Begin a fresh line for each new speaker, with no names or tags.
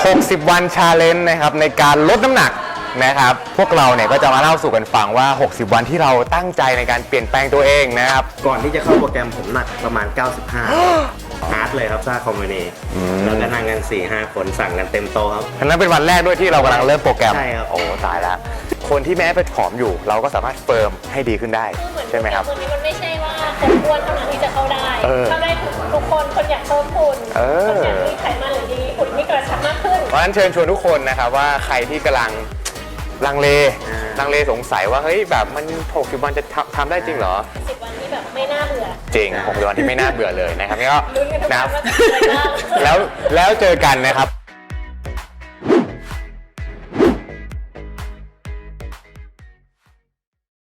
60 วันชาเลนจ์นะครับในการลดน้ำหนักนะครับพวกเราเนี่ยก็จะมาเล่าสู่กันฟังว่า 60 วันที่เราตั้งใจในการเปลี่ยนแปลงตัวเองนะครับ
ก่อนที่จะเข้าโปรแกรมผมหนักประมาณ 95 ฮาร์ดเลยครับซ่าคอมมูนีแล้วก็นั่งกัน 4-5 คนสั่งกันเต็มโต๊ะครับ
อันนั้นเป็นวันแรกด้วยที่เรากำลังเริ่มโปรแกรม
ใช่ครับ
โอ้ตายแล้วคนที่แม้เป็นผอมอยู่เราก็สามารถเฟิร์มให้ดีขึ้นได้ใช่ไหมครับ
ตัวนี้มันไม่ใช่ว่าคนอ้วนเท่านั้นที่จะเข้าได้เข้าได้ทุกคนคนอยากเพิ่มหุ่นคนอยากมีไขมันหรือดีหุ่นที่กระชับมากขึ้น
เพราะฉะนั้นเชิญชวนทุกคนนะครับว่าใครที่กำลังลังเลสงสัยว่าเฮ้ยแบบมัน60 วันจะทำได้จริงเหรอ
10 วันที่แบบไม่น่าเบื่อ
จริง60 วันที่ไม่น่าเบื่อเลยนะครับนี่ก็
ลุ้นกันทุกวันว่าจะเป็นอะไรบ้าง
แล้วเจอกันนะครับ